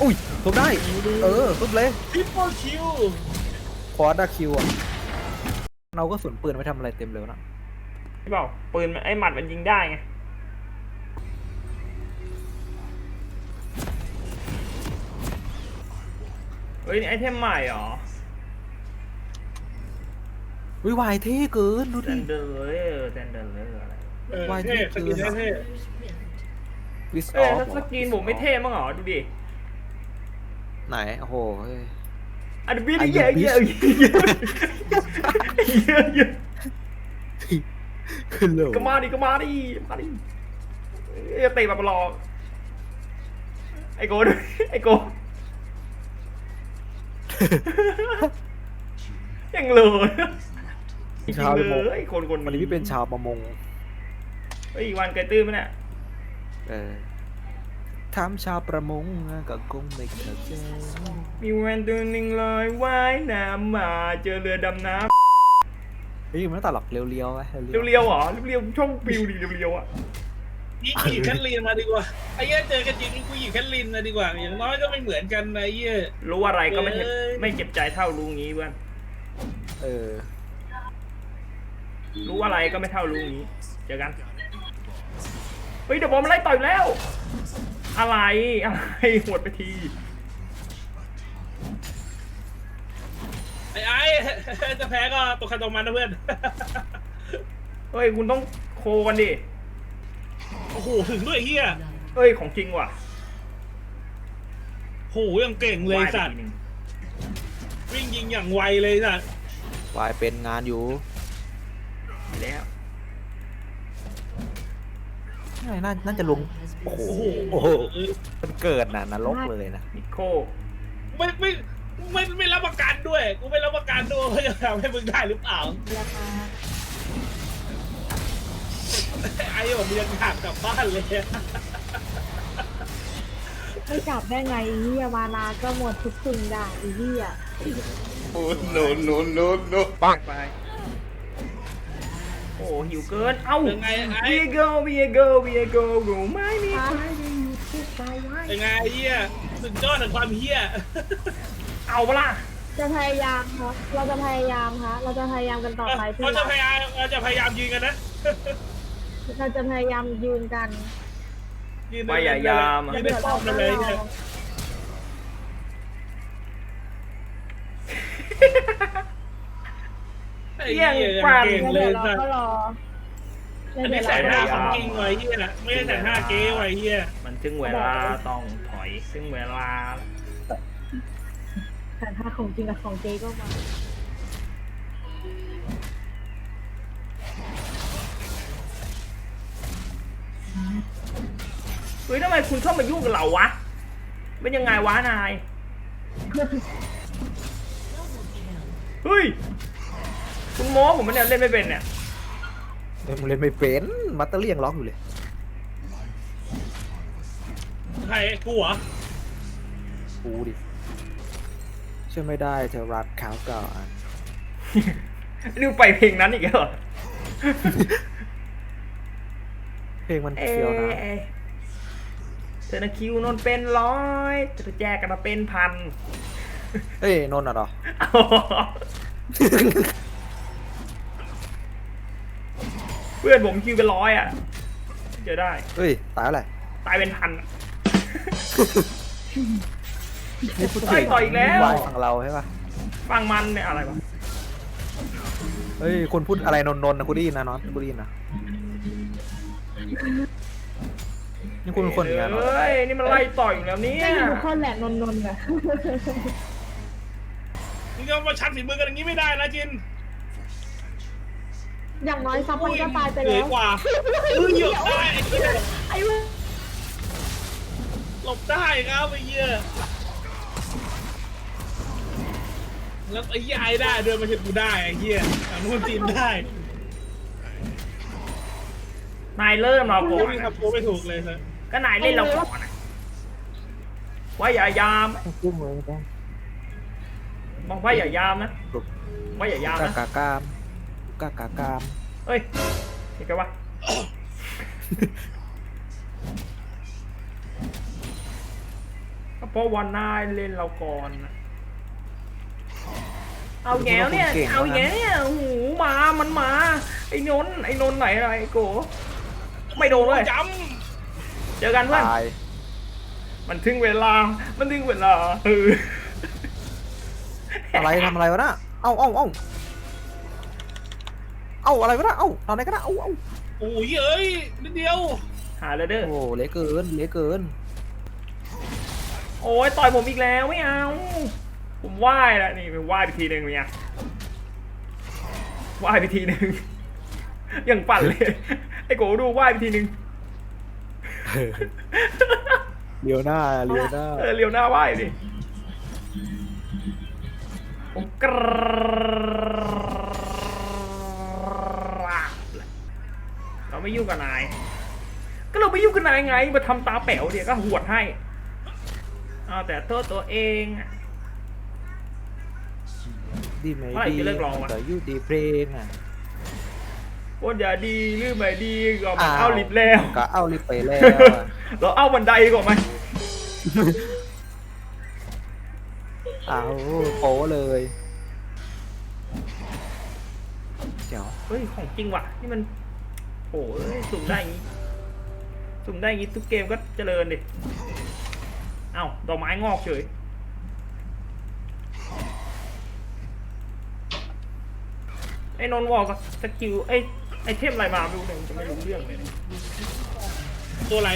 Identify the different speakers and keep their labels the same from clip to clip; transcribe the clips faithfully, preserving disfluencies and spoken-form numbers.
Speaker 1: อุ้ยทุบได้เออทุบเลย
Speaker 2: ทริปเปิลคิว
Speaker 1: คอร์ดาคิวอ่ะเราก็สวนปืนไว้ทำอะไรเต็มเลยนะ
Speaker 3: พี่บอกปืนมันไอ้หมัดมันยิงได้ไงเฮ้ยนี่ไอเทมใหม่เหรอ
Speaker 1: วิวายเท่เกินดู
Speaker 3: เซ
Speaker 1: ดิ
Speaker 3: นเดอร์เลยเซนเดอร์เลยอะไร
Speaker 2: เออ
Speaker 1: วาย
Speaker 2: เท่สกิน
Speaker 1: เท่
Speaker 2: เท่
Speaker 1: วิสอ
Speaker 3: เอ้
Speaker 1: อย ฟ
Speaker 3: ถ้าสกรีนผมไม่เท่มั้งเหรอดูดิ
Speaker 1: ไหนโอ้โหเฮ้ย
Speaker 3: อันนี้
Speaker 1: อ่ะ
Speaker 3: เยอะ
Speaker 1: you
Speaker 3: เย
Speaker 1: bitch
Speaker 3: อะเยอะเยอะเยอะ
Speaker 1: ขึ้นเลย
Speaker 3: ก็มาดิก็มาดิมาดิเอ้ยเตะแบบรอไอโก้ด้วยไอโก้ยังเลยจริง
Speaker 1: ชาว
Speaker 3: ๆ
Speaker 1: ประมง
Speaker 3: เลยคนคน
Speaker 1: วันนี้พี่เป็นชาวประมง
Speaker 3: เฮ้ยอีกวันเกยตื้นไหมเนี่ย
Speaker 1: เออถามชาวประมงก็คงไม่เข้าใจ
Speaker 3: มีแวนตัวหนึ่งลอยว่ายน้ำมาเจอเรือดำน้
Speaker 1: เฮ้ยมันไม่ตัดหรอกเรียวๆไว้
Speaker 3: ำเรียวๆเหรอเรียวๆช่องปิวดิเรียวๆอ่ะ
Speaker 2: นี่กูหยิบแคทลีนมาดีกว่าไอ้เหี้ยเจอกันจริงกูหยิบแคทลีนมาดีกว่าอย่างน้อยก็ไม่เหมือนกันนะไอ้เหี้ย
Speaker 3: รู้อะไรก็ไม่เจ็บ
Speaker 2: เอ้ย
Speaker 3: ไม่เจ็บใจเท่ารู้งี้เพื่อน
Speaker 1: เออ
Speaker 3: รู้อะไรก็ไม่เท่ารู้งี้เจอกันเฮ้ยเดี๋ยวบอลมันไล่ต่อยแล้ว อะไรอะไรหวดไปที
Speaker 2: ไอ้ไอ้ จะแพ้ก็ตกใครตกมันนะเพื่อน
Speaker 3: เฮ้ยคุณต้องโคกันดิ
Speaker 2: โอ้โหถึงด้วยไอ้เหี้ย
Speaker 3: เฮ้ยของจริงว่ะ
Speaker 2: โหยังเก่งเลย
Speaker 3: ว่ายไป
Speaker 2: สัตว์
Speaker 3: ทีหนึ่ง
Speaker 2: วิ่งยิงอย่างไวเลยสัตว์
Speaker 1: วายเป็นงานอยู่
Speaker 3: แล้ว
Speaker 1: น่าน่าน่าจะลงโอ้โห
Speaker 2: โอ้โห
Speaker 1: มันเกิดน่ะนรกเลยนะ
Speaker 3: นิโค
Speaker 2: ไม่ไม่ไม่ไม่รับประกันด้วยกูไม่รับประกันด้วยว่าจะทำให้มึงได้หรือเปล่า
Speaker 4: ราคา
Speaker 2: ไอ้ผมยังอยากกลับบ้านเลย
Speaker 4: ไม่จับได้ไงอีเหี้ยมานาก็หมดทุกสิ่งอย่างอีเหี้ย
Speaker 3: โอ้โนโนโนโนปังไปโอ้หิวเกินเอ้า
Speaker 2: ยังไงไอ้
Speaker 3: เวียโกเวียโกเวียโกรู้ไหมมีใครได้อยู่ที่ใจไว้
Speaker 2: ยังไงไอ้เหี้ยสุดยอดของความเหี้ย
Speaker 3: เอาปะล่ะ
Speaker 4: จะพยายามครับเราจะพยายามครับเราจะพยายามกันต่อไปพี่
Speaker 2: เราจะ
Speaker 4: รัก
Speaker 2: พยายามเราจะพยายามยืนกันนะ
Speaker 4: เราจะพยายามยืนกัน
Speaker 2: ยืน
Speaker 3: พยายาม
Speaker 2: ยื
Speaker 3: อะ
Speaker 2: นในป้อมนั่นเลยเนี่ย ไอ้เหี้ยยังเก่ง
Speaker 4: แล้ว
Speaker 2: เล
Speaker 4: เดี๋ย
Speaker 2: ยว
Speaker 4: เรา
Speaker 2: สัต
Speaker 4: ก็
Speaker 2: ว์
Speaker 4: รอ
Speaker 2: อันนี้
Speaker 4: เดี๋ยว
Speaker 2: ใส่ห
Speaker 4: เรา
Speaker 2: น้า
Speaker 4: ก็
Speaker 2: ของ
Speaker 4: รอ
Speaker 2: จริงไว้เหี้ยไม่ได้ใส่หน้าเก๊ไว้เหี้ย
Speaker 3: มันถึงเวลาต้องถอยถึงเวลา
Speaker 4: แต่ถ้าของจริงกับของเจ๊ก็มา
Speaker 3: เฮ้ยทำไมคุณเข้ามายุ่งกับเราวะเป็นยังไงวะนายเฮ้ยคุณโม้ผมมันเนี่ยเล่นไม่เป็นเนี่ย
Speaker 1: เล่นเล่นไม่เป็นมัตเตอร์เลียงล็อกอยู่เลย
Speaker 2: ใครกูเหรอ
Speaker 1: กูดิช่วยไม่ได้เธอรักเขาก่อน
Speaker 3: นี่ไปเพลงนั้นอีกแล้วเหรอ
Speaker 1: เพลงมัน
Speaker 3: เอ๊
Speaker 1: เฟี้ยวนะ
Speaker 3: ะเธอนะคิวนนเป็นร้อยเธอแจกกันมาเป็นพัน
Speaker 1: เอ้ยนนท์อ่ะเหรอ
Speaker 3: เพื่อนผมคิวเป็นร้อยอ่ะเจอได้
Speaker 1: เฮ้ยตายอะไร
Speaker 3: ตายเป็นพันอะ
Speaker 1: นี่พูด
Speaker 3: เฮ้ยต่ออีกแล้ว
Speaker 1: วายฝั่งเราใช่ปะ
Speaker 3: ฟังมันเนี่ยอะไรวะ
Speaker 1: เฮ้ยคนพูดอะไรนนท์นนท์นะกูได้ยินนะน็อตกูได้ยินนะนี่คุณเป็นคนอย่างนั้นเหรอ
Speaker 3: เฮ้ยนี่มันไล่ต่อยอยู่แล้วเนี่ย
Speaker 4: ไม่มีทุกคนแหละนนนๆอะ
Speaker 2: มึงก็มาชัดฝีมือกันอย่างนี้ไม่ได้นะจิน
Speaker 4: อย่างน้อยซับมันก็ตายไป
Speaker 2: เหนื่
Speaker 4: แล้
Speaker 2: อยว กว่ามึงหยุดได้ไอ้เหี้ย
Speaker 4: ไอ้เว้ย
Speaker 2: หลบได้ครับไอ้เหี้ยแล้วไอ้เหี้ยไอ้ได้เดินมาเห็นกูได้ไอ้เหี้ยทางนู้นจีนได้
Speaker 3: นายเริ่มเรา
Speaker 2: โอ้
Speaker 3: ก่อน
Speaker 2: ย
Speaker 3: นะ
Speaker 2: ครับโอ้ไม่ถูกเลยครับ
Speaker 3: ก็นายเล่นเราก่อนนะว่าอย่ายาม
Speaker 1: กุ้งเลยจ้ะ
Speaker 3: บอกว่าอย่ายามนะว่าอย่ายาม
Speaker 1: กา
Speaker 3: นะ
Speaker 1: กากามกากากาม
Speaker 3: เฮ้ยเห็นกันวะก็เพราะวันหน้าเล่นเราก่อนนะเอาแง่เนี่ยเอาแง่เนี่ยโอ้โหมามันมาไอ้นนท์ไอ้นนท์ไหนอะไรไอ้โกไม่โดนเลย
Speaker 2: จ
Speaker 3: เจอกันเพื่อน
Speaker 1: ตาย
Speaker 3: มันถึงเวลามันถึงเวลาเออ
Speaker 1: อะไรทำอะไรวะน่ะเอ้าเอ้าเอ้าเอ้าอะไรวะน่ะเอ้าทำอะไรกันนะเอ้าเอ้า
Speaker 2: ำโอ้ยเอ้ยนิดเดียว
Speaker 3: หาเลยเด้อ
Speaker 1: โอ้เละเกินเละเกิน
Speaker 3: โอ้ยต่อยผมอีกแล้วไม่เอาผมไหว้แล้วนี่ไปไหว้ไปทีหนึ่งเนี่ยไหว้ไปทีหนึ่งยังปั่นเลยไอ้โกดูไหว้ไปทีหนึ่ง
Speaker 1: เลียวหน้าเลียวหน้า
Speaker 3: เออเลี้ยวหน้าไหว้ดิผมกราบเลยเราไม่ยุ่งกับนาย ก็เราไม่ยุ่งกับนายไงมาทำตาแป๋วเดี๋ยวก็หวดให้เอาแต่โทษตัวเองอะ
Speaker 1: ดีไหม
Speaker 3: เมื่อไหร่
Speaker 1: ดี
Speaker 3: จะเลิกร้องวะ
Speaker 1: แต่อยู่ดีเพลงอ่ะ
Speaker 3: ว่าอย่าดีหรือไม่ดีก็มัน
Speaker 1: อ้าว
Speaker 3: เอาลิฟต์แล้ว
Speaker 1: ก็เอาลิฟต์ไปแล้วอะ
Speaker 3: เราเอาบันไดก่อนไหม
Speaker 1: อ้าวโป๊เลยเดี๋ยว
Speaker 3: เฮ้ยของจริงว่ะนี่มันโอ้ยสุ่มได้อย่างงี้สุ่มได้อย่างงี้ทุกเกมก็เจริญดิเอ้าดอกไม้งอกเฉยไอ้นนท์วอลกับสกิลไอ้ไอเทมอะไรมาไม่รู้เนี่ยจะไม่รู้เรื่องเลยเนี่ย
Speaker 2: ตัวอะไร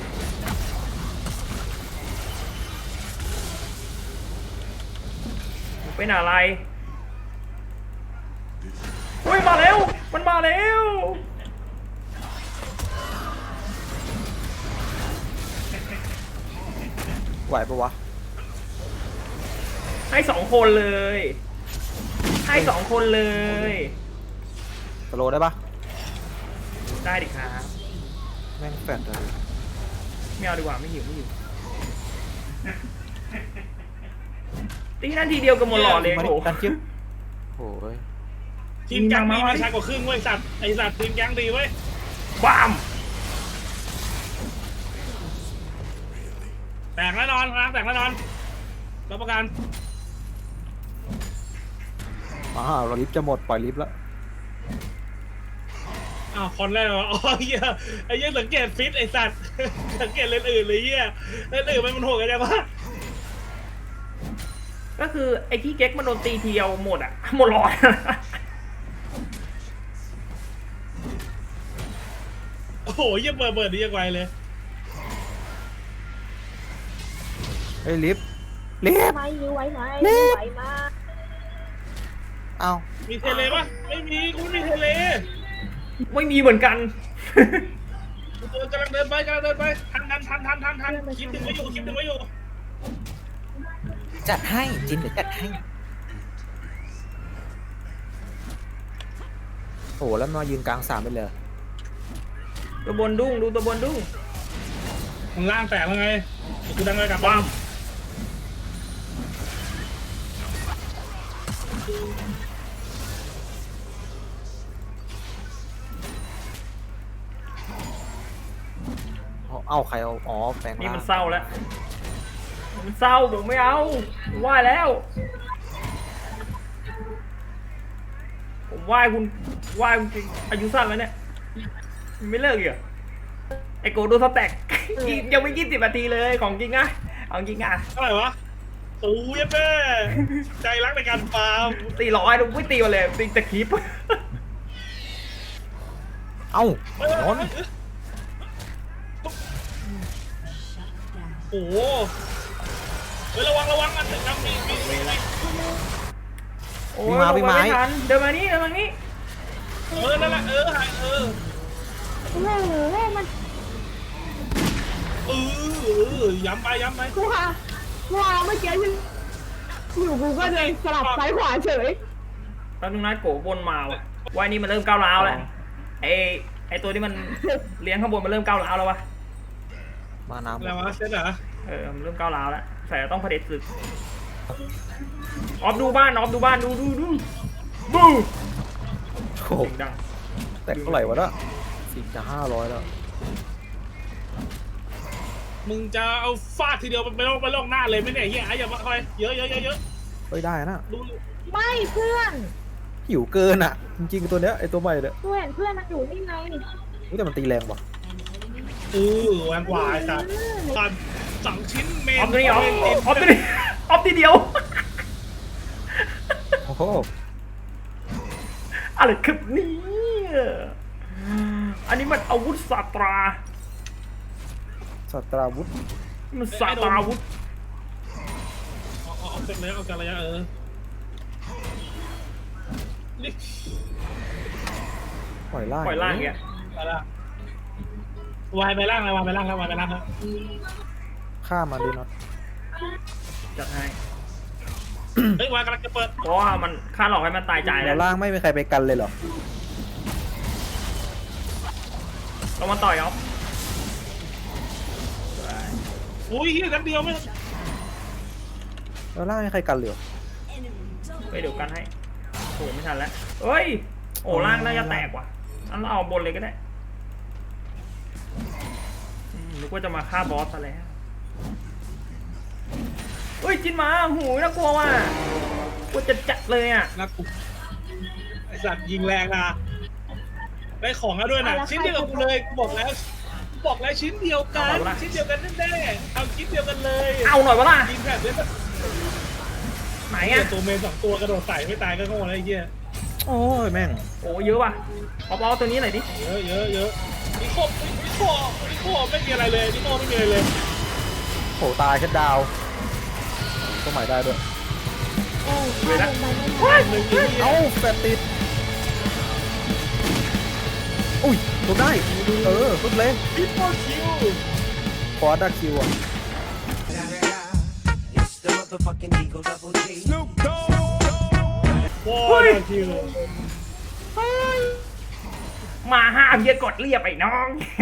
Speaker 3: มันเป็นอะไรเฮ้ยมาแล้วมันมาแล้ว
Speaker 1: ไหวปะวะ
Speaker 3: ให้สองคนเลย ให้สองคนเลย
Speaker 1: สโลว์ได้ปะ
Speaker 3: ได้ดิครับ
Speaker 1: แม่งแฟดเลย
Speaker 3: ไม่เอาดีกว่าไม่หิวไม่หิวตีนั่นทีเดียวกับหมดหลอดเลย
Speaker 1: มาดิ
Speaker 3: โอ้โห
Speaker 1: กันจิ๊บโอ้ย
Speaker 2: ทีมแก๊งดีมาช้ากว่าครึ่งเว้ยสัตว์ไอสัตว์ทีมแก๊งดีเว้ย
Speaker 3: บ้าม
Speaker 2: แตกแน่นอนนะแตกแน่นอนรับประกัน
Speaker 1: มาเราลิฟต์จะหมดปล่อยลิฟต์แล้ว
Speaker 2: อ้าวคอนแรกเหรออ๋อเฮียไอ้เหี้ยสังเกตฟิตไอสัตว์ สังเกตเลนอื่นเลยเฮียเลนอื่นมันโหดกันจังวะ
Speaker 3: ก็คือไอ้ที่เก๊กมันโดนตีทีเดียวหมดอ่ะหมดหลอด
Speaker 2: โอ้โหเฮียเปิดเปิดดีจังไวเลย
Speaker 1: เฮ้ยลิฟต์ลิฟต์
Speaker 4: ไม่ยื้อไว้ไหม
Speaker 1: นี่
Speaker 4: ยื้อไหวมา
Speaker 1: เอ้า
Speaker 2: มีเทเลปะไม่มีกูไม่มีเทเล
Speaker 3: ไม่มีเหมือนกัน
Speaker 2: กูตัวกำลังเดินไปกำลังเดินไปทันทันทันทันทันทันคลิปถึงไว้อยู่คลิปถึงไว้อยู่
Speaker 1: จัดให้จินเดี๋ยวจัดให้โอ้แล้วมายืนกลางสามไปเลย
Speaker 3: ตัวบนดุ้งดูตัวบนดุ้ง
Speaker 2: มึงล่างแตกแล้วไงกูดังเลยกลับบ้าน
Speaker 1: เอาเอาใครเอาอ๋อแปลง
Speaker 3: นี่
Speaker 1: ร่าง
Speaker 3: มันเศร้าแล้วมันเศร้าผมไม่เอาผมไหว้แล้ว ผมไหว้คุณไหว้คุณจริงอายุสั้นแล้วเนี่ยมันไม่เลิกอีกเหรอไอโกดูสแต็ก ยังไม่ยี่สิบนาทีเลยของจริงนะเอาจริงอ่ะ
Speaker 2: เท่าไหร่วะโอ้ยแม่ใจรักในการฟาร์ม
Speaker 3: ตีร้อยดูไม่ตีมาเลยตีแต่คลิป
Speaker 1: เอ้า
Speaker 2: เฮ้ย
Speaker 1: นนท์
Speaker 2: โอ้โหเฮ้ยระวังระวังอันหนึ่งนะมีมีมีมี
Speaker 3: โอ้ยลงมาไม่ทันเดินมานี่เดินมานี่
Speaker 2: เออนั่นแหละเออหายเออ
Speaker 4: โอ้โหมัน
Speaker 2: เออเออย้ำไปย้ำไป
Speaker 4: กูค่ะว้าเมื่อกี้ฉันอยู่กูก็เลยสลับซ้ายขวาเฉย
Speaker 3: ตอนนึงนะโกบนมาว่ะวายนี้มันเริ่มก้าวร้าวแล้วไอไอตัวที่มันเลี้ยงข้างบนมันเริ่มก้าวร้าวแล้ววะ
Speaker 1: มาน้ำ
Speaker 2: อะไรวะเซตเหรอ
Speaker 3: เออมันเริ่มก้าวร้าวแล้วใส่ต้องเผด็จศึกออฟดูบ้านออฟดูบ้านดูดูดูบู
Speaker 1: โอ้โห
Speaker 3: เสียงดัง
Speaker 1: แต่เท่าไหร่วะเน่ะสี่จะห้าร้อยแล้ว
Speaker 2: มึงจะเอาฟาดทีเดียวไปลงไปลงหน้าเลยไหมเนี่ยเฮียไอ้อย่ามาคอยเยอะเยอะเยอะเยอะ
Speaker 1: เฮ้ยได้นะ
Speaker 2: ดู
Speaker 4: ไม่เพื่อน
Speaker 1: หิวเกินอ่ะ จริงๆตัวเนี้ยไอตัวใหม่เนี่ย
Speaker 4: เพื่อนเพื่อนมันอยู่นี่ไง
Speaker 1: อุ๊ยแต่มันตีแรงว่ะ
Speaker 2: เออแหวนกว่าไอ้สัตว์ตอนสองชิ้นเม
Speaker 3: อน อฟตัวนี้ออฟออฟตัวนี้ออฟทีเดียว
Speaker 1: โอ้โห
Speaker 3: อะไรคือนี่อันนี้มันอาวุธศาสตรา
Speaker 1: สัตราวุธ
Speaker 3: มันศาสตราอาวุธ
Speaker 2: เอาเอาเอาเป็นระยะเอาการระยะเออนี่
Speaker 1: ปล่อยล่าง
Speaker 3: ปล่อยล่างอย่างเงี้ย
Speaker 2: ไปละวายไปล่างเลยวายไปล่างแล้ววายไปล่างแล้ว
Speaker 1: ฆ่ามันดิน็อต
Speaker 3: จัดให้
Speaker 2: เฮ้ยวายกำลังจะเปิด
Speaker 3: เพราะว่ามันค่าหลอกให้มันตายใจ
Speaker 1: แล้
Speaker 3: แล้ว ว
Speaker 1: ล่างไม่มีใครไปกันเลยเหรอ
Speaker 3: ลงมาต่อยออฟ
Speaker 2: อุ้ยเฮียกันเดียวไม่
Speaker 1: แล้วล่างไม่มีใครกันเลยเหรอ
Speaker 3: ไปเดี๋ยวกันให้โอ้ไม่ทันแล้วเฮ้ยโอ้ล่างน่าจะแตกว่ะงั้นเราเอาบนเลยก็ได้อืมนึกว่าจะมาฆ่าบอสซะแล้วเฮ้ยจินมาหูยน่ากลัวว่ะกลัวจะจัดเลยอ่ะ
Speaker 2: นักกูไอสัตว์ยิงแรงนะได้ของแล้วด้วยนะชิ้นเดียวกับกูเลยกูบอกแล้วกูบอกแล้วชิ้นเดียวกันชิ้นเดียวกันแน่ๆเอาชิ้นเดียวกันเลย
Speaker 3: เอาหน่อยวะล่ะ
Speaker 2: ยิงแบบนี้
Speaker 3: ไหน
Speaker 2: ไอ้
Speaker 3: อ่ะ
Speaker 2: ตัวเมนสองตัวกระโดดใส่ไม่ตายก็โง่แล้วไอ้เหี้ย
Speaker 1: โอ้ยแม่ง
Speaker 3: โอ้เยอะว่ะเอาบอสตัวนี้หน่อยดิ
Speaker 2: เยอะเยอะเยอะนิโคนิโคนิโคไม่มีอะไรเลยนิโคไม่มีอะไรเลย
Speaker 1: โหตายแค่ดาวตัวใหม่ได้ด้วย
Speaker 4: โอ้ยฆ่าลงไปไม่ได้
Speaker 2: หนึ่งยิง
Speaker 1: เอ้าแฟนติดอุ้ยตัวได้ เออปึ๊บเลย
Speaker 2: นิโคคิว
Speaker 1: ฟอร์ดาคิวอ่ะ
Speaker 5: It's the motherfucking Eagle Double G.
Speaker 2: โว้ยคิว
Speaker 3: มาห้ามเยอะกดเรียบไอ้น้อง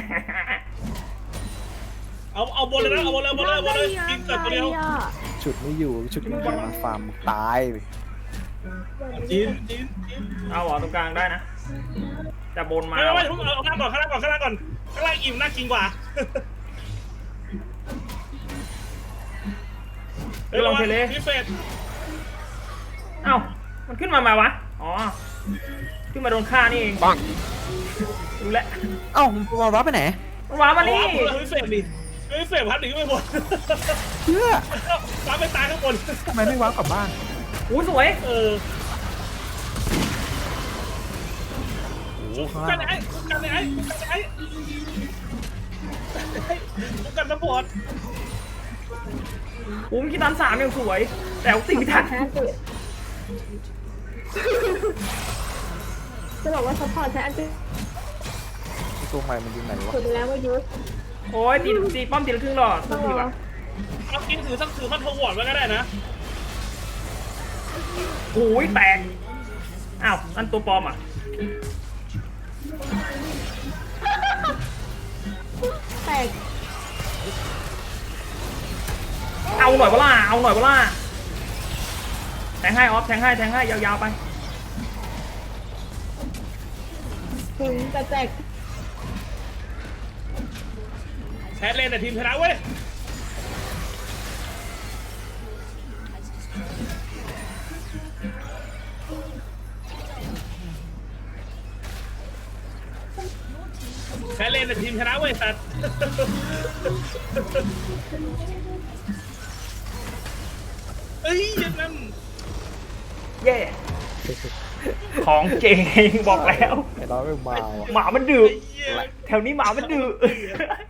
Speaker 2: เอาเอาบนเลยนะเอาบนเลยบนเลยบนเลยกินแต่ตัวเดียว
Speaker 1: ชุดไม่อยู่ชุดไม่อยู่มาฟาร์มตายไป
Speaker 2: จีนจีนจีน
Speaker 3: เอาเหรอตรงกลางได้นะแต่บนมา
Speaker 2: ไม่ไม่ไม่เอาข้างล่างก่อนข้างล่างก่อนข้างล่างก่อนข้างล่างอิ่มน่ากินกว่า
Speaker 3: ไปลองเทเล
Speaker 2: พิเศษ
Speaker 3: เอ้ามันขึ้นมาไหมวะอ๋อขึ้นมาโดนฆ่านี่เองปังรู้แล้ว
Speaker 1: เอ้ามันมารับไปไหน
Speaker 3: มันว้ามานี่
Speaker 2: อ๋อพิเศษดิพิเศษพัดหนีไม่หมด
Speaker 1: เพื่อ
Speaker 2: ตามไปตายข้างบน
Speaker 1: ทำไมไม่ว้าวกลับบ้าน
Speaker 3: อู้สวย
Speaker 2: เออ
Speaker 1: โอ้โหข้าง
Speaker 2: กั
Speaker 1: ล่าน ง
Speaker 2: ไอ้กันไอ้กันไอ้กันสปอร์ต
Speaker 3: อู้คิดตันสามยังสวย แต่ตีไม่ทัน
Speaker 4: แพ้ติจะบอกว่าซัพพอร์ตใช้อันติ
Speaker 1: ตัวใหม่มันอยู่ไหนวะ
Speaker 4: สุดแล้วว่ายุทธ
Speaker 3: โอ้ยตีตีป้อมตีละครึ่งหลอด
Speaker 4: ต้
Speaker 3: สั
Speaker 4: อก ง
Speaker 3: ที
Speaker 4: รอ
Speaker 3: วะ
Speaker 2: เอากินถือสักถือมันทวอร์ดไว้ก็ได้นะ
Speaker 3: โอ้ยแตกอ้าวนั่นตัวปลอมอ่ะ
Speaker 4: แตก
Speaker 3: เอาหน่อยเปล่าเอาหน่อยเปล่าแทงให้ออฟแทงให้แทงให้ยาวๆไป
Speaker 4: ถึงจะแตก
Speaker 2: แพ้เล่นแต่ทีมชนะเว้ยแพ้เล่นแต่ทีมชนะเว้ยสัตว์เอ้ยยังนั้น
Speaker 3: เย่ของเจ๋งบอกแล้ว
Speaker 1: ไอ้เราไม่มาว่ะ
Speaker 3: หมามันดื้อ
Speaker 2: ไอ้เหี้ย
Speaker 3: แถวนี้หมามันดื้อ